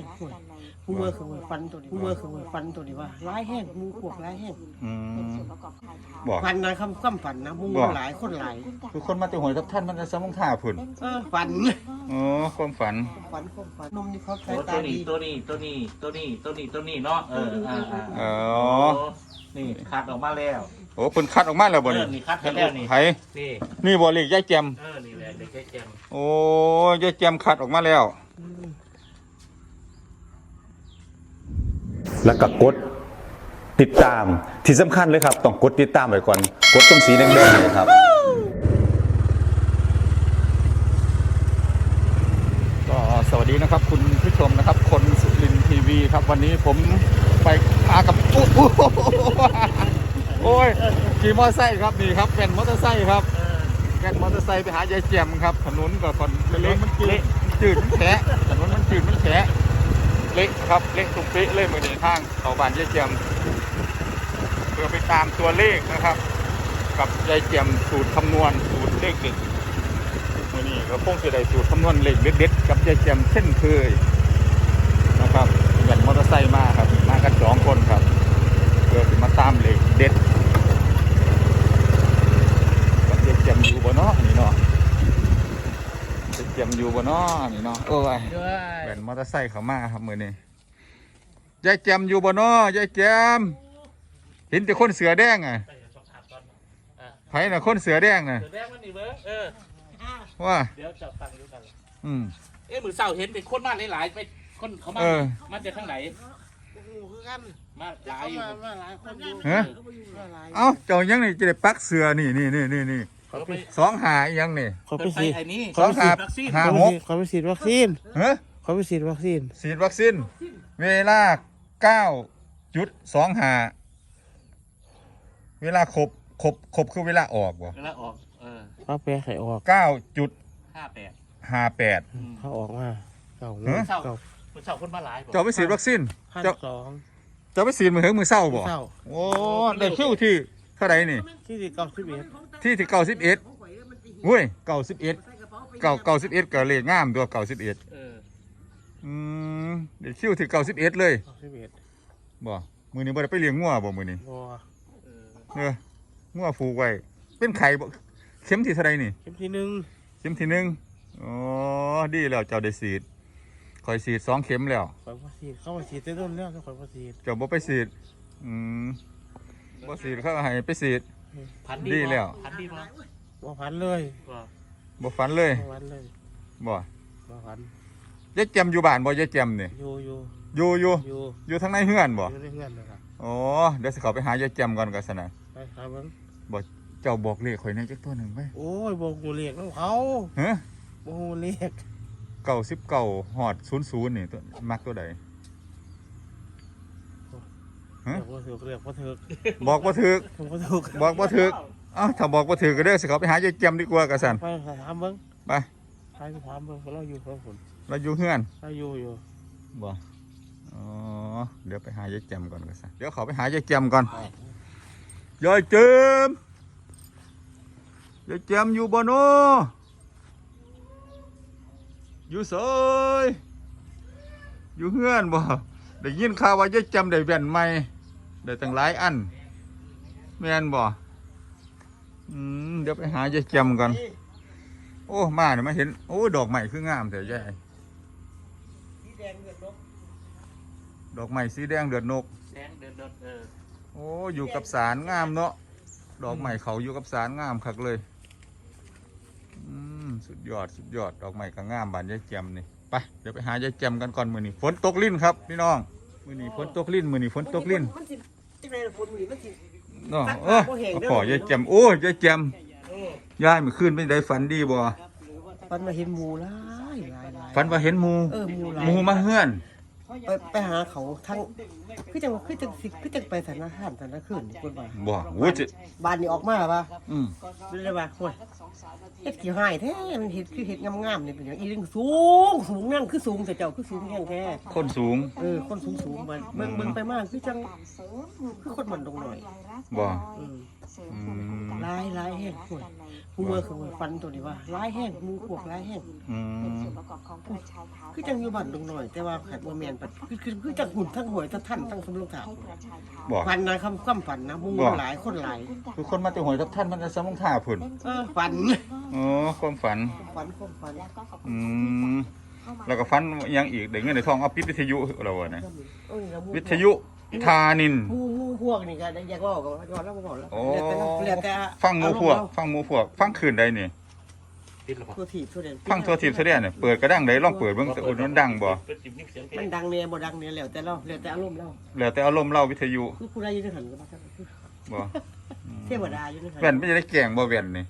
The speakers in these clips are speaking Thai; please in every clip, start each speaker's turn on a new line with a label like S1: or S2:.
S1: งห่วยผู้เมื่อคือฟันตัวนี้ผู้เมื่อคือฟันตัวนี้ว่าร้ายแห้งมูพวกร้ายแห้ง
S2: บอก
S1: ฟันนะคำฝันนะมูหลายคนหลาย
S2: คือคนมาแต่หวยกับท่านมันจะสมองท่าพุ่น
S1: ฝัน
S2: อ๋อความฝัน
S1: นมนี่เขาใช้ตาดี
S3: ตัวนี้เนาะนี่คัดออกมาแล้ว
S2: โอ้เพิ่นคัดออกมาแล้วบ่นี่
S3: คัดให้แล้วนี่
S2: นี่บ่เลขยายแจม
S3: นี่แหละเลขยายแจม
S2: โอ้ยายแจมคัดออกมาแล้วแล้วก็กดติดตามที่สำคัญเลยครับต้องกดติดตามไว้ก่อนกดตรงสีแดงๆเลยครับก็สวัสดีนะครับคุณผู้ชมนะครับคนสุรินทร์ทีวีครับวันนี้ผมไปพากับโอ้ยขี่มอเตอร์ไซค์ครับนี่ครับแว่นมอเตอร์ไซค์ครับแว่นมอเตอร์ไซค์ไปหายายแจมครับถนนก็คนเละมันจืดมันแฉะถนนมันจืดมันแฉะเละครับเละตรงเป๊ะเลยมือนี้ทางเข้าบ้านยายแจมเพื่อไปตามตัวเลขนะครับกับยายแจมสูตรคำนวณสูตรเลขเด็ดมือนี้ก็คงจะได้สูตรคำนวณเลขเด็ดกับยายแจมเช่นเคยนะครับแว่นมอเตอร์ไซค์มาครับมากัน2 คนครับเพื่อจะมาตามเลขเด็ดกับยายแจมอยู่บ่เนาะนี่เนาะยายแจมอยู่บ่เนาะนี่เนาะโอ้ยแว่นมอเตอร์ไซค์เข้ามาครับมือนี้ยายแจมอยู่บ่เนาะยายแจมเห็นแต่คนเสือแดงอ่ะไผน่ะคนเสือแดงน่ะ
S3: เสือแดงมันนี่เบ้อ
S2: ว่า
S3: เดี๋ยวจะฟังดูกันมือเศร้าเห็นเป็นคนมาหลายๆไปคนเขามาจากทางไหนมาหลายอยู่
S1: มาหลายคนอยู่
S2: เอ้าเจ้ายังนี่จะได้ปักเสือนี่2 หายังนี่
S1: เขาไปฉีด
S2: 2 หา6
S1: เขาไปฉีดวัคซีนเขาไปฉีดวัคซีน
S2: เวลา 9.25 เวลาครบคือเวลาออกบ่
S3: เวลาออก
S1: เขาแปลไข่ออก
S2: 9.58
S1: เขาออกมา
S3: เศร้าคนมาหลาย
S2: เจ้าไปฉีดวัคซีนเจ้าไปฉีดมือเศร้าบ่โอ้ได้คิวที่เท่าไหร่นี่
S1: ที่91
S2: ที่91อุ้ย91ก็เลขงามตัว91ได้คิวที่91เลยบ่มื้อนี้บ่ได้ไปเลี้ยงงัวบ่มื้อนี้บ่งัวผูกไว้เป็นไข่บ่เข็มที่เท่าไหร่นี่
S1: เข็มที่
S2: 1อ๋อดีแล้วเจ้าได้ฉีดข่อยฉีด2 เข็มแล้ว
S1: ข่อยบ่ฉีดเข้ามาฉีดแต่ต้นแล้วข่อยบ่ฉีด
S2: เจ้าบ่ไปฉีดบ่ฉีดเขาให้ไปฉีดดีแล้ว
S3: พันดี
S1: บ่พันเลย
S2: บ่ฝันเลยบ่ยายแจมอยู่บ้านบ่ยายแจมนี่อยู่ทางในเฮือนบ่
S1: อยู่ในเฮือนนะครับ
S2: อ๋อเดี๋ยวสิเข้าไปหายายแจมก่อนก็ซั่นน่ะ
S1: ไปครับเบิ่ง
S2: บ่เจ้าบอกเลขข่อยในจักตัวหนึ่งไป
S1: โอ้ยบ่ฮู้เลขของเขา
S2: ฮะ
S1: บ่ฮู้เลข
S2: 99ฮอด00นี่ตัวมักตัวใด
S1: ฮะบ่ถูกเรียกบ่ถูก
S2: บอกบ่ถูกบอกบ่ถูกเอ้าถ้าบอกบ่ถูกก็เด้อสิเข้าไปหายายแจมดีกว่าก็ซั่น
S1: ไปถามเบิ่ง
S2: ไป
S1: ถามเบิ่งเราอยู่กับผม
S2: เราอยู่เฮือน
S1: เราอยู่
S2: บ่อ๋อเดี๋ยวไปหายายแจมก่อนก็ซั่นเดี๋ยวเขาไปหายายแจมก่อนยายแจมอยู่บ่เนาะอยู่เสยอยู่เฮือนบ่ได้ยินข่าวว่ายายแจมได้แว่นใหม่ได้ตั้งหลายอันแม่นบ่เดี๋ยวไปหายายแจมก่อนโอ้มาเนี่ยมาเห็นโอ้ดอกใหม่คืองามแต่ยายดอกใหม่สีแดงเดือดนกโอ้อยู่กับสารงามเนาะดอกใหม่เขาอยู่กับสารงามคักเลยสุดยอดดอกใหม่ก็งามบานยายแจมนี่ไปเดี๋ยวไปหายายแจมกันก่อนมื้อนี้ฝนตกลิ้นครับพี่น้องมื้อนี้ฝนตกลิ้นเนาะขอยายแจมโอ้ยายแจมยายเมื่อคืนเป็นได้ฝันดีบ่
S1: ฝันว่าเห็นหมูหลาย
S2: ฝันว่าเห็นหมูมาเฮือน
S1: ไปหาเขาทั้งคือจังไปสถานอาหารสถานคืนคนว่า
S2: บ่โอ้ยจะ
S1: บ้านนี้ออกมาป่ะ
S2: อืม
S1: เลยว่าโอ้ยเฮ็ดกี่หายแท้มันเฮ็ดคือเฮ็ดงามๆนี่เป็นหยังอีเรื่องสูงนั่นคือสูงแต่เจ้าคือสูงแห้งแท้
S2: คนสูง
S1: คนสูงมันเบิ่งไปมากคือจังคือคนมันตรงหน่อย
S2: บ่
S1: อืม
S2: อืม
S1: ลายแห้งโอ้ยผู้เมื่อคือฟันตัวนี้ว่าลายแห้งหมูพวกลายแห้ง
S2: อืม
S1: คือจังอยู่บ้านตรงหน่อยแต่ว่าขัดบ่แม่นปัดคือจังหุ่นทั้งหวยทั้งท่านทั้งสมรองเท้า
S2: บ่
S1: ฟันนะความฝันนะหมูหลายคนหลาย
S2: คือคนมาแต่หวยทับท่านมันจะสมองท่าพุ่น
S1: ฝัน
S2: อ๋อความฝัน
S1: ฝัน
S2: อืมแล้วก็ฝันอิหยังอีกได้เงินได้ทองเอาปิดวิทยุเราอะนะวิทยุทานิน
S1: หมูพวกนี่ก็อยากเว้าก็ย้อนแล้วบ่แล้ว
S2: โอ้
S1: แล้วแต่
S2: ฟังหมู่พวกฟังคืนใดนี่
S3: ติดหรอ
S1: ตัวถีบตัวเด่น
S2: ฟังทั่วทิพย์ทั่วแดนเนี่ยเปิดกระดังได้ลองเปิดเบิ่งแต่อุ่นมันดังบ่
S3: เป็นจิบนิ่งเสียงเพล
S1: มัน
S3: ง
S1: ดังเนี่ยบ่ดังเนี่ยแล้วแต่เราแล้วแต่อารมณ์เรา
S2: แล้วแต่อารมณ์เล่าวิทยุ
S1: คือผู้ใดอยู่ในหันก็บ่ทัน
S2: บ่
S1: เทวดาอยู่ในหัน
S2: แว่นไม่จะได้แกล้งบ่แว่นนี่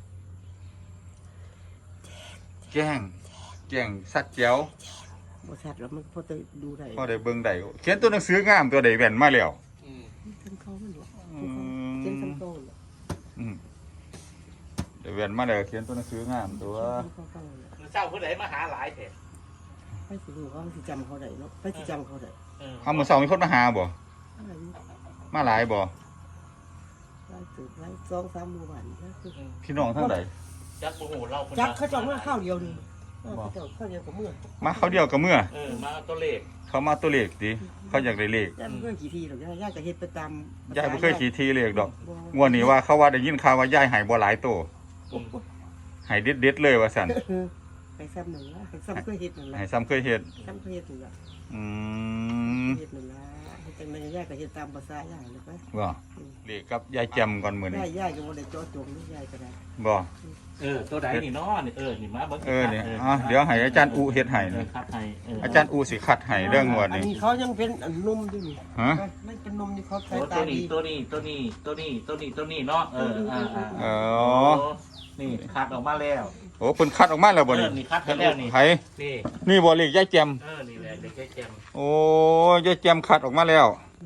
S2: แกล้งสัตว์แจ๋ว
S1: บ่ชัดแล้วมันพอจะดูได้
S2: พอได้เบิ่งได้เขียนตัวหนังสืองามตัวใดแว่นมาแล้ว
S3: อืม
S1: ทั้งเขามันหรอ
S2: อื
S1: เจ็นทั้ง
S2: ม
S1: เขา
S2: อืมเดี๋ยวแว่นมาแล้วเขียนตัวหนังสืองามตัว
S3: คือเศร้าผู้ใดมาหาหลายแท้
S1: ไปสิรู้ว่าสิจำเขาได้เนาะไปสิจำเขาได้
S2: เอามื้อเช้ามีคนมาหาบ่
S1: อะไรนี่
S2: มาหลายบ่
S1: ไล่ตึกไล่2-3หมู่บ้านนะคือ
S2: พี่น้องทั้งใด
S3: จักโอ้โหเราคน
S1: จักเขาจองมาข้าวเดียวนี่เขาจองข้าวเดียวกับเมื่อ
S2: มาเขาเดียวกับเมื่อ
S3: มาตัวเลข
S2: เขามาตัวเลขดิเขาอยากได้เลข
S1: ย่าเพื่อนกี่ทีหรอกย่าจะเฮ็ดไปตาม
S2: ยายบ่เคยขี่ทีเลขดอกงวดนี้ว่าเขาว่าได้ยินข่าวว่ายายหายบ่หลายโตหายเด็ดๆเลยว่าซั่น
S1: ให้ซ้ำหนึ่งละให้ซ้ำเคยเฮ็ดหนึ่งละ
S2: หายซ้ำเคยเฮ็ด
S1: ซ้ำเคยเฮ็ดหนึ่งละ
S2: อืม
S1: เฮ็ดหนึ่งละเฮ็ดจังไดย่าก็เฮ็ดตามภาษาย่าเลยไป
S2: บ่เลขกับยายแจมก่อนมื้อนี้
S1: ย่าก็บ่ได้เจาะจงนี่ย่าก็ได้
S2: บ่
S3: ตัวใดนี่น้อนี่นี่มาเบิ่ง
S2: นี่เดี๋ยวให้อาจารย์อุเฮ็ดให้นะ
S3: ครับให้
S2: อาจารย์อุสิคัดให้เรื่องงวด
S1: อัน
S2: นี้
S1: นี้เขายังเป็นนุ่มอยู่นี่
S2: ฮะ
S1: มันเป็นนมที่เขาใช้
S3: ตั
S1: ตาว ดี
S3: นี้ตัวนี้เนาะ
S2: อ๋อ
S3: นี่คัดออกมาแล้ว
S2: โอ้เพิ่นคัดออกมาแล้วบ่นี่
S3: นี่คัดให้แล้วนี่
S2: ไผ
S3: นี่
S2: นี่บ่เลขยายแจม
S3: นี่แหละเด็กแจ่ม
S2: โอ้ยายแจมคัดออกมาแล้ว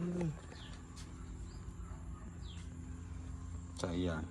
S2: ใจยาย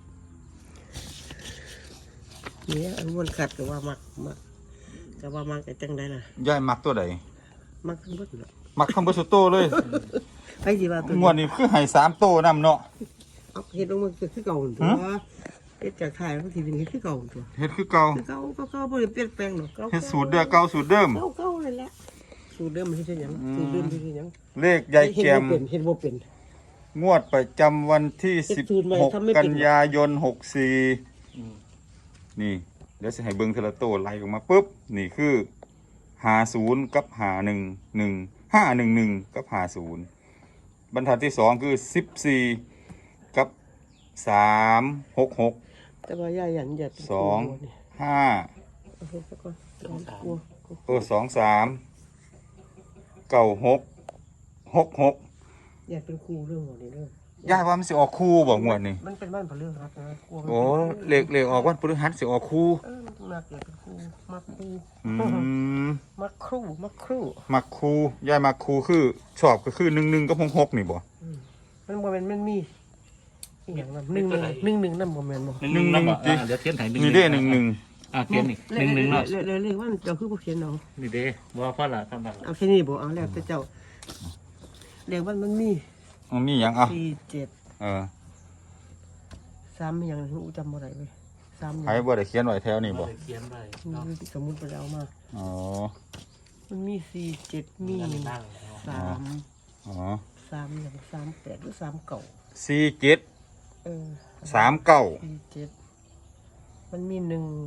S1: เนี่ยอันวนขัดก็ว่ามักก็ว่ามักไอ้จังไดล่ะ
S2: ยายมักตัวใด
S1: มักทั้งหมดน่ะ
S2: มักทั้งเบิดสุดโตเลย
S1: ไปสิว่าตัว
S2: งวดนี้คือให้3โตนำเนาะ
S1: เอาเฮ็ดลงมาคือเก่าหั่นตัวเฮ็ดจากถ่ายมันสิเป็นเฮ็ดคือเก่าหั่นตัว
S2: เฮ็ดคือเก่า
S1: คือเก่าบ่ได้เปลี่ยนแปลงหรอกเก่า
S2: เฮ็ดสูตรเก่าสูตรเดิม
S1: เก่านั่นแหละสูตรเดิมมันเฮ็ดหยังสูตรเดิมเฮ็ดหยัง
S2: เลขยายแจม
S1: เฮ็ดบ่เป็น
S2: งวดประจำวันที่
S1: เฮ็ดสูตรใหม่ทำไม่
S2: 16
S1: เป็น
S2: กันยายน 64นี่เดี๋ยวสิให้เบิ่งทีละโตไล่ออกมาปุ๊บนี่คือ50กับ51 511กับ50บรรทัดที่2คือ14กับ366
S1: แต่ว่าย่าหยันอย่า
S2: สอง 5
S1: เอาเฮ็ดซะก่อนกลัว
S2: 23 96 66
S1: อย่าเป็นครูเรื่องของนี้เด้อ
S2: ยายว่ามันสิออกคู่บ่งวดนี้
S1: มันเป็นบ้านพะเรื่องครับนะกลัวมัน
S2: โอ้เลขออกวันพฤหัสสิออกคู่
S1: มันต้องนักอย่าเป็นครูมักครู
S2: อืม
S1: มักครู
S2: มักครูยายมักครูคือชอบก็คือ11กับ66นี่บ่
S1: มันบ่แม่นมันมีอีหยังนำ1 1นำบ่แม่นบ่
S3: 1เดี๋ยวเขียนให้
S2: นี่เด้11
S3: เขียนนี่1เนาะ
S1: เลยว่าเจ้าคือบ่เขียนเอา
S3: นี่เด้บ่พอละทำบัง
S1: เอาแค่นี้บ่เอาแล้วแต่เจ้าเรียกว่ามันมี
S2: มันมีหยังอ่ะ
S1: 4 7
S2: เออ
S1: 3อีหยังอูจำบ่ได้เว้ย3
S2: ใครบ่ได้เขียนไว้แถวนี้บ่
S3: เขียนไว้
S1: สมมุติไปเอามา
S2: อ๋อ
S1: มันมี4 7มี
S3: นั่ง
S1: 3
S2: อ๋อ
S1: 3อย่าง38หรือ3เก่า
S2: 47
S1: เออ
S2: 39
S1: 47มันมี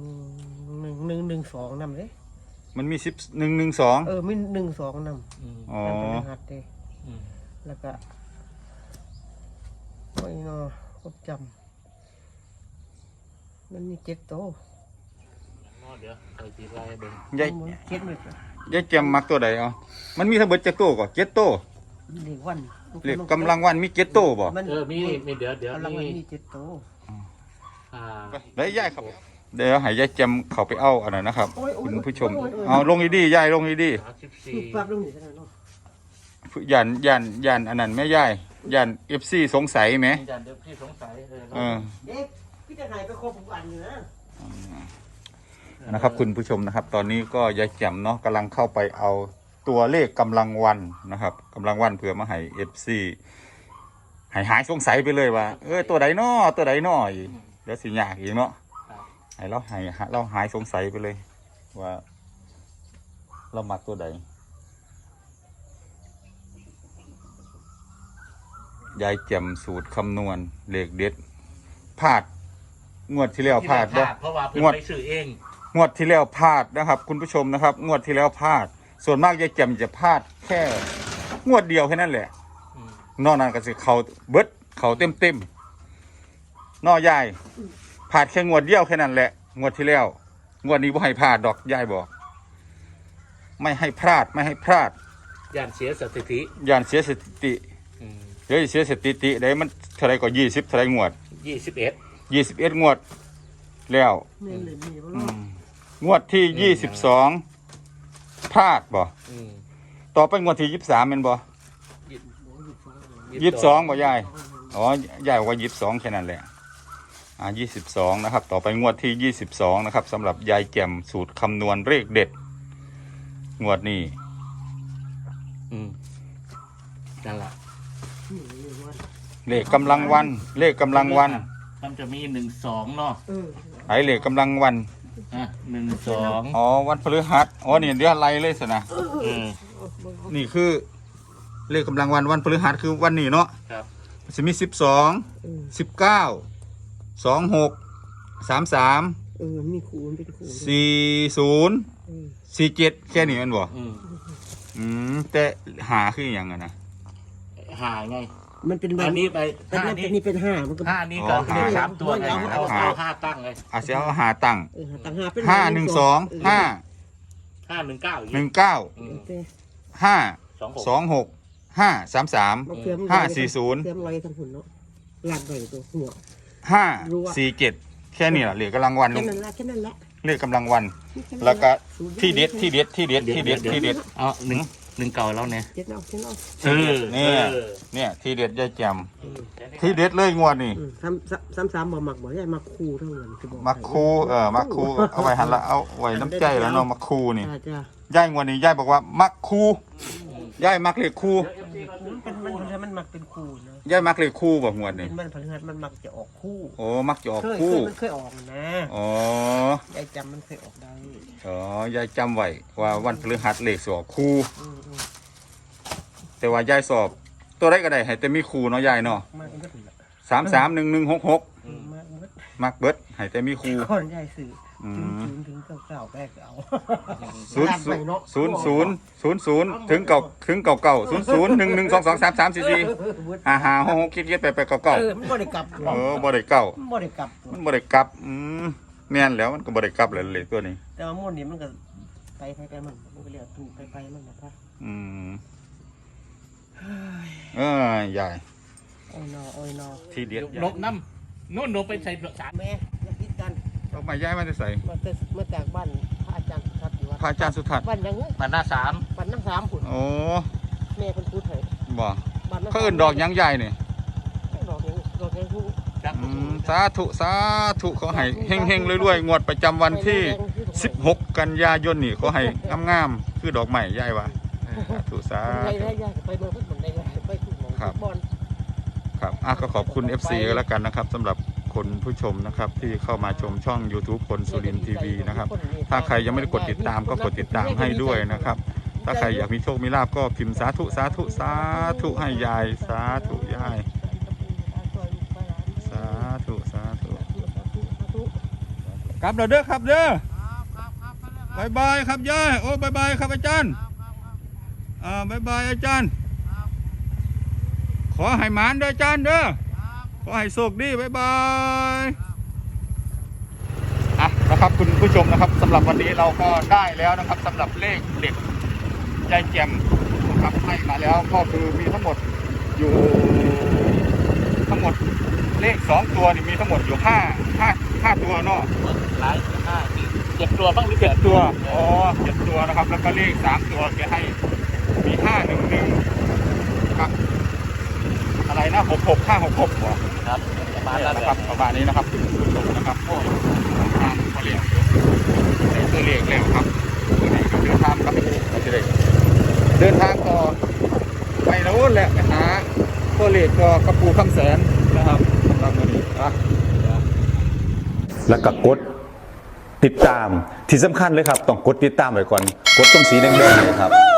S1: 1 2นำเด้
S2: มันมี1112
S1: มี1 2นำ
S2: อ๋อ
S1: เป็นรหัสเด้แล้วก็โอ้ยเนาะผมจำมันมี7โต
S3: เดี๋ยวไปตีไล่เบิ่ง
S2: ยาย
S1: เจ็ดเลย
S2: ยายแจมมักตัวใดเอามันมีทั้งเบิดจักโตก็7โต
S1: เด็กวัน
S2: เลขกำลังวันมี7โตบ่
S1: มัน
S3: มีเดี๋ยว
S1: กำลังวันมี7โต
S2: ได้ยายครับเดี๋ยวให้ยายแจมเข้าไปเอาอันนั้นนะครับคุณผู้ชมเอาลงดีๆยายลงดี
S1: ปรับลงนี่เท่านั้นเนาะ
S2: ย่านอันนั้นแม่ย่ายย่าน FC สงสัยไหม
S3: ยันเดี๋ยวพี่สงสัย
S1: เด็กพี่จะหายไปครบทุกวันอยู่นะ
S2: นะครับคุณผู้ชมนะครับ ตอนนี้ก็ยายแจ่มเนาะกำลังเข้าไปเอาตัวเลขกำลังวันนะครับกำลังวันเผื่อมาให้ FC หายสงสัยไปเลยว่าตัวใดน้อตัวใดน้ออีกเดี๋ยวสิยากอีกเนาะให้เราหายสงสัยไปเลยว่าเรามักตัวใดยายแจ่มสูตรคำนวณเลขเด็ดพลาดงวดที่แล้วพลาด
S3: เพราะว่าเพิ่นไปซื้อเอง
S2: งวดที่แล้วพลาดนะครับ คุณผู้ชมนะครับ งวดที่แล้วพลาด ส่วนมากยายแจ่มจะพลาดแค่งวดเดียวแค่นั้นแหละนอกนั้นก็สิเขาเบิดเขาเต็มนอยายพลาดแค่งวดเดียวแค่นั้นแหละงวดที่แล้วงวดนี้บ่ให้พลาดดอกยายบอก ไม่ให้พลาดไม่ให้พลาด
S3: ยันเสียสถิติ
S2: ย่านเสียสถิติเดี๋ยวเสียสถิติได้มันเท่าไรก็20เท่าไรงวด 21งวดแล้ว
S1: เนี่ยเลยมีบ่
S2: งวดที่22พลาดบ่ต่อไปงวดที่23แม่นบ่22บ่ยายอ๋อยายบอกว่า22แค่นั้นแหละ22นะครับต่อไปงวดที่22นะครับสำหรับยายแจ่มสูตรคำนวณเลขเด็ดงวดนี้
S3: นั่นแหละ
S2: เลขกำลังวันเลขกำลังวัน
S3: มันจะมี12เนาะ
S2: ไหนเลขกำลังวัน
S3: 12
S2: อ๋อวันพฤหัสอ๋อนี่เดี๋ยวอะไรเลยสินะนี่คือเลขกำลังวันวันพฤหัสคือวันนี้เนาะ
S3: ครับ
S2: จะมี12 19 26 33
S1: มีคูณเป็นคูณ
S2: 40 47แค่นี้มันบ่แต่หาคืออย่างนั้นนะ
S3: หาไง
S1: มันเป็น
S3: อันนี้ไป
S1: 5นี่เป็น5มันก็
S3: 5นี่ก็เลข3ตัวไงเอา5ตั้งเลย
S2: อาจจะเอาหาตั้ง
S1: ตั้ง5เป็น
S2: 5 1 2 5
S3: 519
S2: 19 5 26 5 33 5 40
S1: เติมลอยทั้งหุ่นเนาะหลักใบตัวหัว
S2: 5 4 7แค่นี้แหละเลขกำลังวัน
S1: แค่นั้นแหละ
S2: เลขกำลังวัน แล้วก็ที่เด็ด
S3: เอา1เก่าแล้วเนี่ย
S1: เจ็ดเอา
S2: เนี่ยที่เด็ดยายแจ่มที่เด็ดเลยงวดนี่
S1: 3บ่มักบ่ได้มักคู่เท่านั้นคือบ่
S2: มักคูมักคูเอาไว้หันละเอาไว้น้ำใจแล้วเนาะมักคูนี่
S1: จ้ะ
S2: ยายงวดนี้ยายบอกว่ามักคูยายมักเลขคู
S1: มันมักเป็นคู่นะ
S2: ยายมักเลขคูบอกงวดนี่
S1: มันพฤหัสมันมักจะออกคู่
S2: โอ้มักจะออกคู่
S1: มันเคยออกนะ
S2: อ๋อย
S1: ายจำมันเคยออกได้
S2: อ๋อยายจำไว้ว่าวันพฤหัสเลขสอบคู่แต่ว่ายายสอบตัวไรก็ได้ให้แต่มีคู่เนาะยายเนาะ
S1: มากมันก็ถึงละ
S2: 331166มักเบิดให้แต่มีคู่
S1: คนยายสื่อถึงเก่าแรกเอา
S2: 00 ถึงเก่า00 11 22 23 34 55 66 77 88 99
S1: มันบ่ได้กลับ
S2: บ่ได้เก้า
S1: มันบ่ได้กลับ
S2: มันบ่ได้กลับแม่นแล้วมันก็บ่ได้กลับเลยเลขตัวนี้
S1: แต่ว่ามุ่นนี่มันก็ไปมันก็เรียกถูกไปมันนะครับ
S2: ยาย
S1: โอ้ยนอ
S2: ที่เด็ด
S3: นกน้ำนู่นนกไปใส่สาร
S1: แม่อย่าคิดกัน
S2: เอามาย้ายมาจะใส่
S1: มาจากบ้านพระอาจารย์สุทัศน์อยู่วัด
S2: พระอาจารย์สุทัศน์
S1: บ้านยังไง
S3: มาหน้า3
S1: บ้านนั่ง3หุ่น
S2: โอ้
S1: แม่เป็นพูดให้
S2: บ่
S1: บ้านนั่ง
S2: เขาเอิ้นดอกหยังใหญ่นี่
S1: ดอกยังฮู้
S2: สาธุขอให้เฮงๆรวยๆงวดประจำวันที่ 16 กันยายนนี่ขอให้งามๆคือดอกไม้ยายว่าสา
S1: ไป
S2: ธุ
S1: ได้ยากไปเมืองพุทธเหมือนได้ไปทุกหมองบอล
S2: ครับก็ขอบคุณ FC ก็แล้วกันนะครับสำหรับคนผู้ชมนะครับที่เข้ามาชมช่อง YouTube คนสุรินทร์ทีวีนะครับถ้าใครยังไม่ได้กดติดตามก็กดติดตามให้ด้วยนะครับถ้าใครอยากมีโชคมีลาภก็พิมพ์สาธุให้ยายสาธุยายสาธุกลับเด้อครับเด้อบายครับยายโอ้บายครับอาจารย์บายอาจารย์ขอให้หมานเด้ออาจารย์เด้อขอให้โชคดีบายนะครับคุณผู้ชมนะครับสำหรับวันนี้เราก็ได้แล้วนะครับสำหรับเลขเด็กยายแจ่มนะครับให้มาแล้วก็คือมีทั้งหมดอยู่เลข2ตัวนี่มีทั้งหมดอยู่5ตัวเนาะ
S3: หลาย5 7ตัวบ้างหรือ
S2: 7
S3: 7
S2: ตัว7ตัวนะครับแล้วก็เลข3ตัวแกให้มี511 นะครับอะไรนะ66566บ่
S3: ครับประมาณนั้น
S2: นะครับประมาณนี้นะครับตรงนะครับโอ้ทางเขาเรียกตัวเลขแล้วครับตัวนี้ก็เดินทางครับเราจะได้เดินทางต่อไปโน้นแหละไปหาตัวเลขก็กระปูคำแสนนะครับสำหรับวันนี้
S4: แล้วก็กดติดตามที่สำคัญเลยครับต้องกดติดตามไว้ก่อนกดตรงสีแดงๆเลยครับ